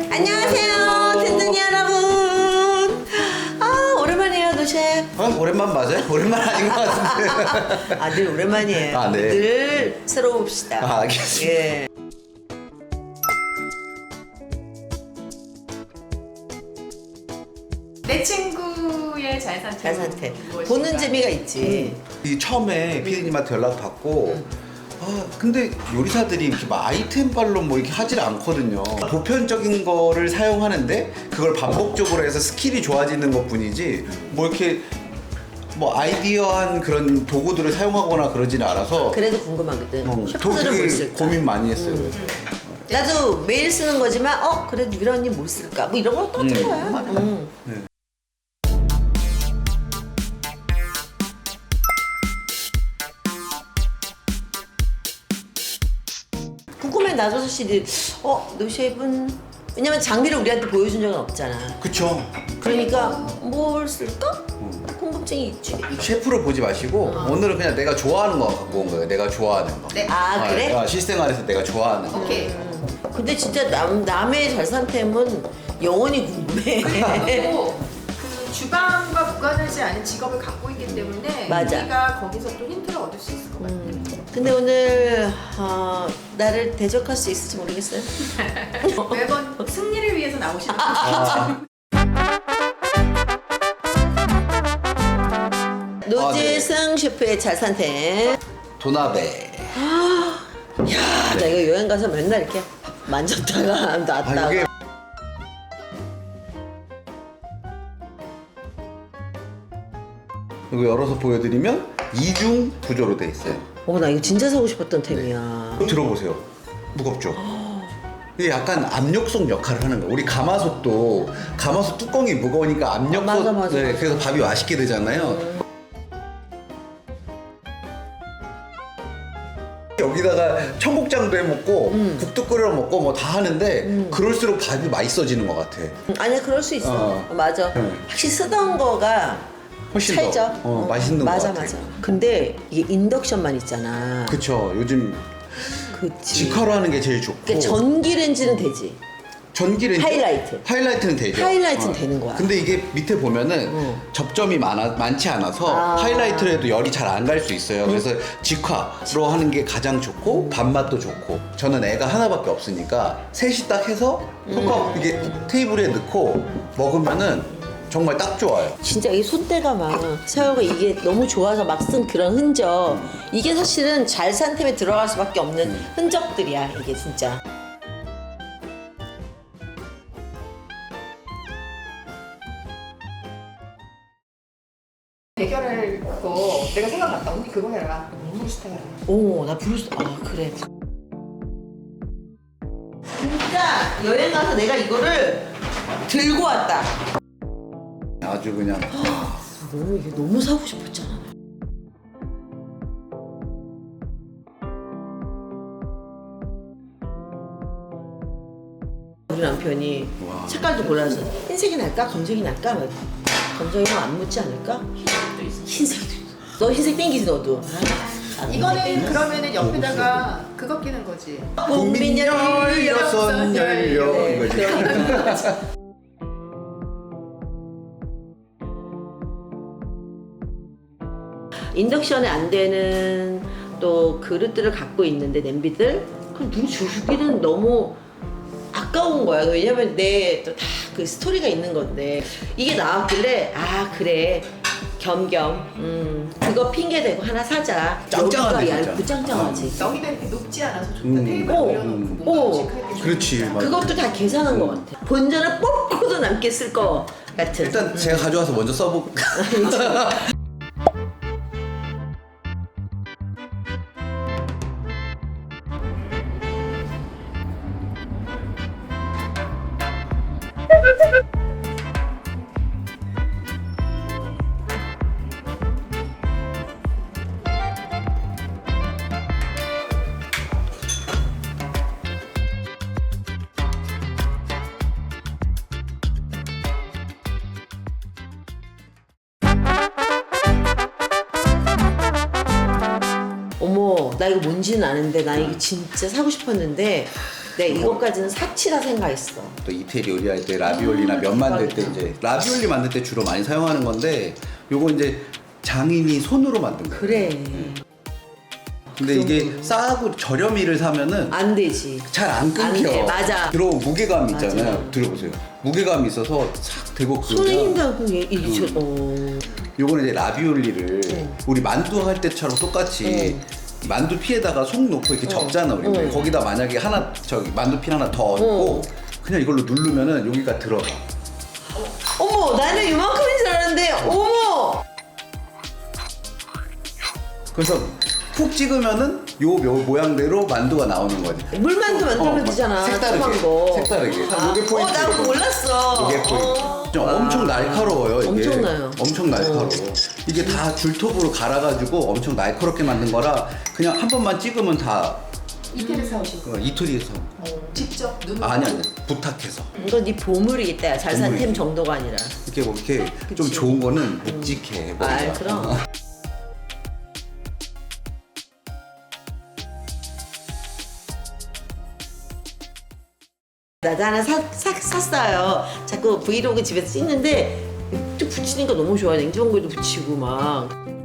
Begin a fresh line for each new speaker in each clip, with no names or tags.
안녕하세요, 든든이 여러분. 아, 오랜만이에요, 노셰.
오랜만 맞아요? 오랜만 아닌 것 같은데.
아, 늘 오랜만이에요.
아, 네.
늘 새로 봅시다.
아, 알겠습니다.
예.
내 친구의 잘
산태.
무엇인가?
보는 재미가 있지.
이 처음에 피디님한테 연락 받고 근데 요리사들이 이렇게 막 아이템발로 뭐 이렇게 하질 않거든요. 보편적인 거를 사용하는데 그걸 반복적으로 해서 스킬이 좋아지는 것 뿐이지 뭐 이렇게 뭐 아이디어한 그런 도구들을 사용하거나 그러지는 않아서
그래도 궁금하거든.
저
셰프들은 뭘
그게
쓸까?
고민 많이 했어요.
나도 매일 쓰는 거지만, 그래도 유라 언니 뭘 쓸까? 뭐 이런 걸 떠든 거야.
네.
궁금해, 나도 사실, 노셰프는, 왜냐면 장비를 우리한테 보여준 적은 없잖아.
그쵸.
그러니까, 뭘 쓸까? 궁금증이 있지.
셰프를 보지 마시고 오늘은 그냥 내가 좋아하는 거 갖고 온 거예요. 내가 좋아하는 거.
네.
아, 그래?
실생활에서 내가 좋아하는 거.
오케이.
근데 진짜 남의 잘산템은 영원히 궁금해.
그리고 그 주방과 무관하지 않은 직업을 갖고 있기 때문에
맞아.
우리가 거기서 또 힌트를 얻을 수 있을 것 같아요.
근데 오늘 나를 대적할 수 있을지 모르겠어요.
매번 승리를 위해서 나오시는
노재승 셰프의 잘산템.
도나베.
야, 나 이거 여행 가서 맨날 이렇게 만졌다가 놨다가.
이게 이거 열어서 보여드리면 이중 구조로 돼 있어요.
나 이거 진짜 사고 싶었던 템이야.
들어보세요. 무겁죠? 이게 약간 압력솥 역할을 하는 거예요. 우리 가마솥도 가마솥 뚜껑이 무거우니까 압력솥.
맞아.
네, 그래서 밥이 맛있게 되잖아요. 여기다가 청국장도 해 먹고 국도 끓여 먹고 뭐 다 하는데 그럴수록 밥이 맛있어지는 것 같아.
아니야, 그럴 수 있어. 맞아.
응.
확실히 쓰던 거가
훨씬
살죠.
더 맛있는
맞아,
것 같아.
맞아. 근데 이게 인덕션만 있잖아.
그쵸. 요즘
그치.
직화로 하는 게 제일 좋고.
그러니까 전기렌지는 되지.
전기렌지 하이라이트는 되죠.
하이라이트는 되는 거야.
근데 이게 밑에 보면은 접점이 많지 않아서 하이라이트를 해도 열이 잘 안 갈 수 있어요. 그래서 직화로 하는 게 가장 좋고 밥맛도 좋고. 저는 애가 하나밖에 없으니까 셋이 딱 해서 이게 테이블에 넣고 먹으면은 정말 딱 좋아요.
진짜 이 손때가 막 세월가 이게 너무 좋아서 막 쓴 그런 흔적, 이게 사실은 잘 산 템에 들어갈 수밖에 없는 흔적들이야, 이게 진짜.
대결할 거 내가 생각났다. 언니 그거 해라. 브루스타 해라.
나 브루스, 그래. 진짜 여행 가서 내가 이거를 들고 왔다.
아주 그냥
이게 너무 사고 싶었잖아. 우리 남편이
와.
색깔도 골라서 흰색이 날까 검정이 날까 막 검정이면 안 묻지 않을까? 흰색도 있어. 너 흰색 땡기지 너도.
이거는 그러면은 옆에다가 그거 끼는 거지.
국민
열렸선 열려
네,
이거지.
그러니까. 인덕션에 안 되는 또 그릇들을 갖고 있는데 냄비들 그럼 누구 주기는 너무 아까운 거야. 왜냐면 내 또 다 그 스토리가 있는 건데 이게 나왔길래 그래 겸겸 그거 핑계 대고 하나 사자.
짱짱하네,
여기가
진짜.
얇고 짱짱하지.
여기가 이렇게 높지 않아서 좋다. 테이블 올려놓고
오.
뭔가 음식할
그렇지. 맞아.
그것도 다 계산한 것 같아. 본전을 뽑고도 남게 쓸 거 같은.
일단 제가 가져와서 먼저 써볼까.
어머, 나 이거 뭔지는 아는데 나 이거 진짜 사고 싶었는데 내가 이것까지는 사치라 생각했어.
또 이태리 요리할 때 라비올리나 면 만들 때
대박이다.
이제 라비올리 만들 때 주로 많이 사용하는 건데 요거 이제 장인이 손으로 만든 거예요.
그래.
근데 이게 싸고 저렴이를 사면은
안 되지.
잘 안 끊겨.
안 돼, 맞아.
들어오면 무게감 있잖아요.
맞아.
들어보세요. 무게감이 있어서 싹 대고
손에
그러면
힘들고 이게
요거는 이제 라비올리를 우리 만두 할 때처럼 똑같이 만두 피에다가 속 넣고 이렇게 접잖아 우리. 거기다 만약에 하나 저기 만두 피 하나 더 얹고 그냥 이걸로 누르면은 여기가 들어가.
어머, 나는 이만큼인 줄 알았는데 어머.
그래서 푹 찍으면은 요 모양대로 만두가 나오는 거지.
물만두 만들면 되잖아. 조그만 거.
색다르게. 요게 포인트.
나 그거 몰랐어.
이게 포인트. 좀 엄청 날카로워요. 이게.
엄청나요.
엄청 날카로워. 이게 다 줄톱으로 갈아가지고 엄청 날카롭게 만든 거라 그냥 한 번만 찍으면 다
이태리에서 오신 거.
이태리에서.
직접 눈으로.
아니 부탁해서.
이거 네 보물이겠다. 잘 산 템
보물이지.
정도가 아니라.
이렇게 뭐 이렇게 좀
그치.
좋은 거는 묵직해.
아,
머리가.
그럼. 나도 하나 샀어요. 자꾸 브이로그 집에서 찍는데 또 붙이니까 너무 좋아. 냉장고에도 붙이고 막.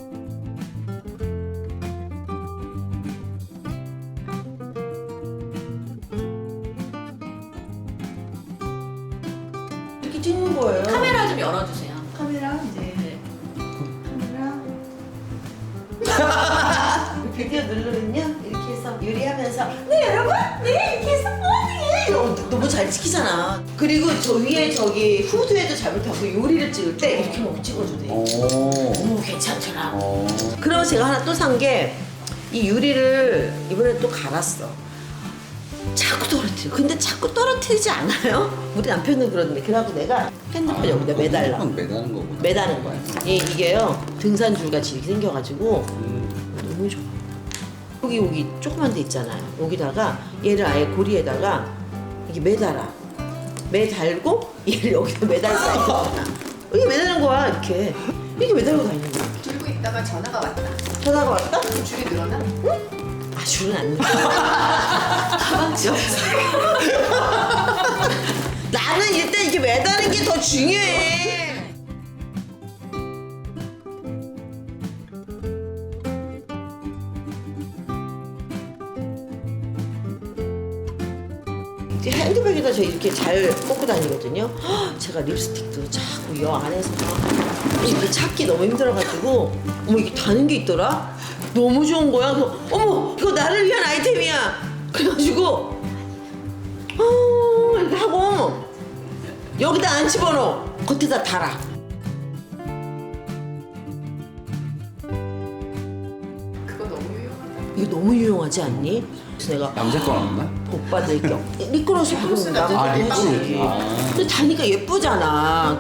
이렇게 찍는 거예요.
카메라 좀 열어주세요.
카메라?
네.
카메라. 드디어 누르면요 이렇게 해서 요리하면서 네 여러분 네 이렇게 해서 너무 잘 찍히잖아. 그리고 저 위에 저기 후드에도 잘못하고 요리를 찍을 때 이렇게 막 찍어도 돼.
오.
너무 괜찮더라.
오.
그리고 제가 하나 또 산 게 이 유리를 이번에 또 갈았어. 자꾸 떨어뜨려. 근데 자꾸 떨어뜨리지 않아요? 우리 남편은 그러는데 그래갖고 내가 핸드폰 여기다 매달라.
매다는 거구나.
매다는 거야. 이게요 등산줄 같이 이렇게 생겨가지고 너무 좋아. 여기 조그만 데 있잖아요. 여기다가 얘를 아예 고리에다가 이게 매달아. 매달고 얘를 여기다 매달 수가 있잖아. 여기 매달는 거야 이렇게. 이렇게 매달고 다니는 거야.
들고 있다가 전화가 왔다.
전화가 왔다?
그럼 줄이 늘어나?
아 줄은 안 나. 가방지 없어. 나는 일단 이게 매다는 게 더 중요해. 핸드백에다 저 이렇게 잘 꽂고 다니거든요. 헉, 제가 립스틱도 자꾸 여 안에서 막 이렇게 찾기 너무 힘들어가지고 어머 이게 다는 게 있더라? 너무 좋은 거야. 그래서 어머 이거 나를 위한 아이템이야. 그래가지고 이렇게 하고 여기다 안 집어넣어. 겉에다 달아.
그거 너무 유용하다.
이거 너무 유용하지 않니? 그래서 내가
남자 거 없나?
오빠들 껴. 리크로스
리크로스
바르면
나도
나도
립글로스.
하지.
아.
근데 다니까 예쁘잖아.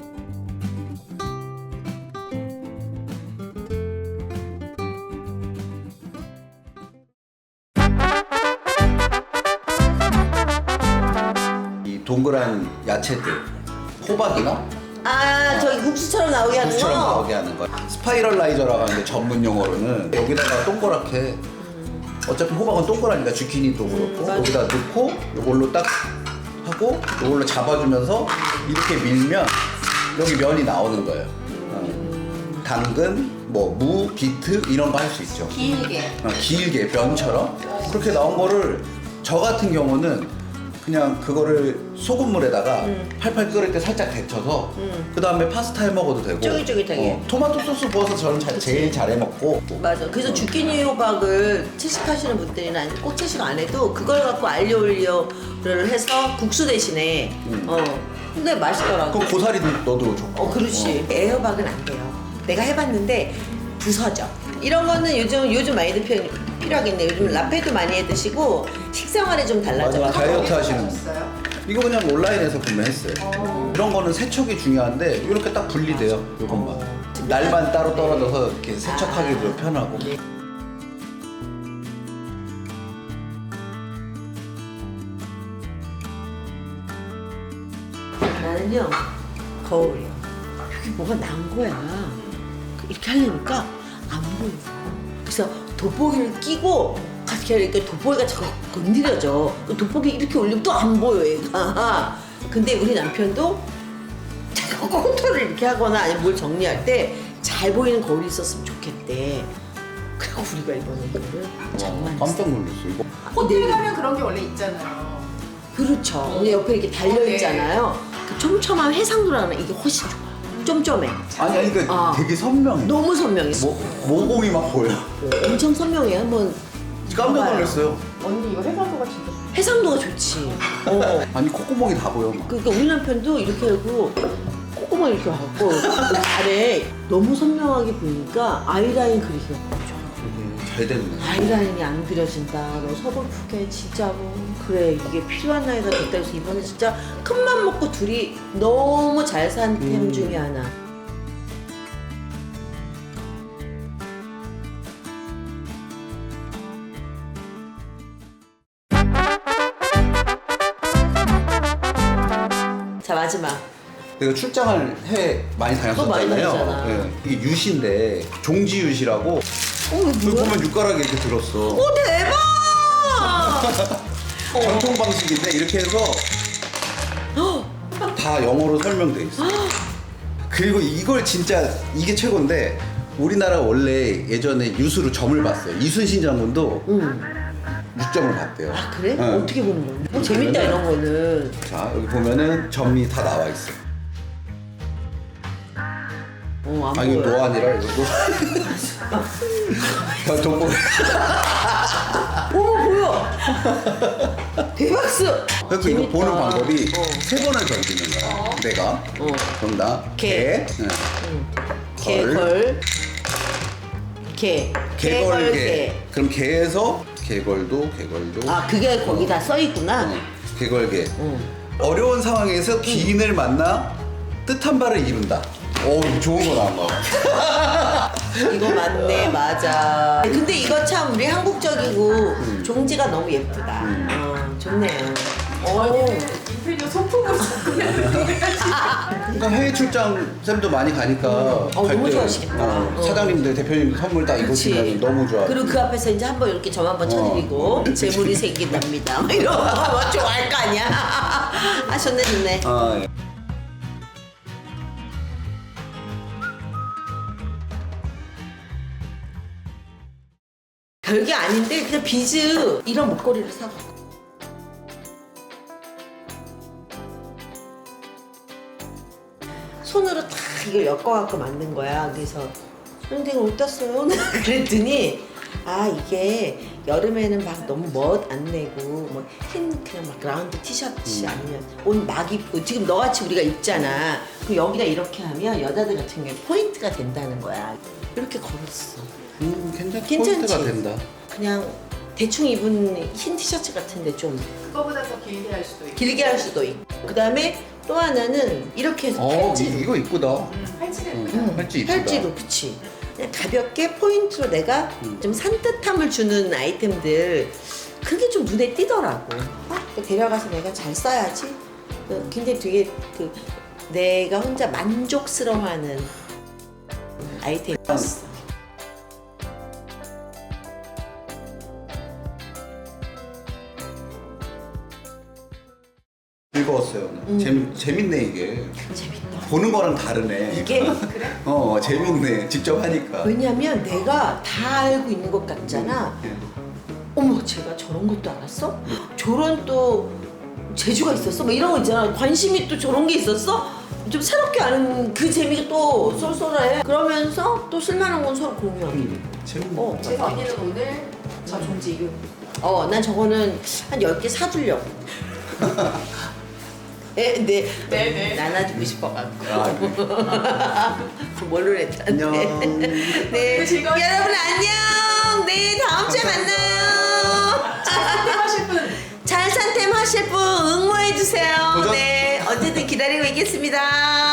이 동그란 야채들 호박이나
저기 국수처럼 나오게 하는
국수처럼
거?
나오게 하는 거야. 스파이럴라이저라고 하는데 전문 용어로는 여기다가 동그랗게 어차피 호박은 동그라니까 주키니도 그렇고
맞아.
여기다 넣고 이걸로 딱 하고 이걸로 잡아주면서 이렇게 밀면 여기 면이 나오는 거예요. 당근, 뭐 무, 비트 이런 거 할 수 있죠.
길게.
길게 면처럼 그렇게 나온 거를 저 같은 경우는 그냥 그거를 소금물에다가 팔팔 끓일 때 살짝 데쳐서 그 다음에 파스타 해 먹어도 되고
쫄깃쫄깃하게.
토마토 소스 부어서 저는 제일 잘 해 먹고
맞아. 그래서 주키니 호박을 채식하시는 분들이나 꼭 채식 안 해도 그걸 갖고 알리오 올리오를 해서 국수 대신에 근데 맛있더라고.
그럼 고사리 넣어도 좋고
그렇지. 애호박은 안 돼요. 내가 해봤는데 부서져. 이런 거는 요즘 많이들 필요하겠네. 요즘 라페도 많이 해 드시고 식생활에 좀 달라져.
맞아. 다이어트 하시는 분.
있어요?
이거 그냥 온라인에서 구매했어요. 이런 거는 세척이 중요한데 이렇게 딱 분리돼요. 이것만 날만 따로 떨어져서 이렇게 세척하기도 편하고.
나는요 거울이요. 여기 뭐가 난 거야. 이렇게 하려니까 안 보여. 그래서 돋보기를 끼고 이렇게 이렇게 하니까 돋보기가 자꾸 건드려져. 그 돋보기 이렇게 올리면 또 안 보여 얘가. 근데 우리 남편도 자꾸 컨트롤을 이렇게 하거나 아니면 뭘 정리할 때 잘 보이는 거울이 있었으면 좋겠대. 그리고 우리가 이번에 이거를 장만했어.
깜짝 놀랐어 이거.
호텔 가면 그런 게 원래 있잖아요.
그렇죠. 근데 옆에 이렇게 달려있잖아요. 그 촘촘한 해상도라는 이게 훨씬 좋아. 쫌쫌해.
아니 그러니까 되게 선명해.
너무 선명해.
모공이 막 보여.
엄청 선명해. 한번
깜짝
봐봐요.
놀랐어요.
언니 이거 해상도가 진짜 좋아.
해상도가 좋지.
아니 콧구멍이 다 보여 막.
그러니까 우리 남편도 이렇게 하고 콧구멍 이렇게 하고 아래 너무 선명하게 보이니까 아이라인 그리기가 너무 좋아.
잘 됐네.
아이라인이 안 그려진다. 너 서글프게 진짜로 그래 이게 필요한 나이가 됐다 해서 이번에 진짜 큰맘 먹고 둘이 너무 잘 산 템 중에 하나. 자 마지막.
내가 출장을 해외 많이
많이
다녔었잖아요.
다녔잖아.
네. 이게 유시인데 종지유시라고.
이거
그
뭐야?
보면 육가락이 이렇게 들었어.
오 대박!
전통 방식인데 이렇게 해서 다 영어로 설명돼 있어. 그리고 이걸 진짜 이게 최고인데 우리나라 원래 예전에 유수로 점을 봤어요. 이순신 장군도 6점을 봤대요.
아 그래?
네.
어떻게 보는 거야? 뭐 재밌다 이런 거는.
자 여기 보면은 점이 다 나와 있어.
안
아 이거
보여.
노안이라 이거. 야 돈 벌.
오 보여. 대박스.
그래서 이거
재밌다.
보는 방법이
어.
3번을 던지는 거야. 내가. 그럼 나
개.
네.
개걸. 개.
개걸개. 그럼 개에서 개걸도.
아 그게 거기다 써 있구나.
개걸개.
응.
어려운 상황에서 기인을 만나 뜻한 바를 이룬다. 오 이거 좋은 거 나온 거.
이거 맞네 맞아. 근데 이거 참 우리 한국적이고 종지가 너무 예쁘다. 좋네요.
인테리어 소품으로
그러니까 해외 출장 쌤도 많이 가니까 갈
너무
때,
좋아하시겠다.
사장님들 대표님 선물 딱 입으시면 너무 좋아.
그리고 그 앞에서 이제 한번 이렇게 점 한번 쳐드리고 재물이 생긴답니다. 이런 거 좋아할 거 아니야. 아 좋네 좋네.
아, 예.
별게 아닌데 그냥 비즈 이런 목걸이를 사고. 손으로 다 이걸 엮어갖고 만든 거야. 그래서 선생님 어디다 써요? 그랬더니 아 이게 여름에는 막 너무 멋 안 내고 뭐 흰 그냥 막 라운드 티셔츠 아니면 옷 막 입고 지금 너같이 우리가 입잖아. 그 여기다 이렇게 하면 여자들 같은 경우에 포인트가 된다는 거야. 이렇게 걸었어.
괜찮지?
괜찮지?
포인트가 된다.
그냥 대충 입은 흰 티셔츠 같은데 좀
그거보다 더 길게 할 수도 있고.
길게 할 수도 있고. 그 다음에 또 하나는 이렇게 해서 팔찌로.
이거 이쁘다.
팔찌는
팔찌 이쁘다.
팔찌로 그치. 그냥 가볍게 포인트로 내가 좀 산뜻함을 주는 아이템들 그게 좀 눈에 띄더라고. 또 데려가서 내가 잘 써야지. 굉장히 되게 내가 혼자 만족스러워하는 아이템이었어.
즐거웠어요. 재밌네 이게.
재밌다.
보는 거랑 다르네.
이게
재밌네. 직접 하니까.
왜냐면 내가 다 알고 있는 것 같잖아.
예.
어머 제가 저런 것도 알았어? 저런 또 재주가 있었어? 뭐 이런 거 있잖아. 관심이 또 저런 게 있었어? 좀 새롭게 아는 그 재미가 또 쏠쏠해. 그러면서 또 쓸만한 건 서로 공유하고.
재밌네.
제 언니는 오늘 저 종지 이거
난 저거는 한 10개 사주려고.
네네.
나눠주고 싶어갖고.
네.
뭘로 했다는데.
안녕.
네.
즐거웠어요.
여러분 안녕. 네 다음 주에 만나요.
하실 분
잘 산템 하실 분 응모해주세요.
도전.
네 언제든 기다리고 있겠습니다.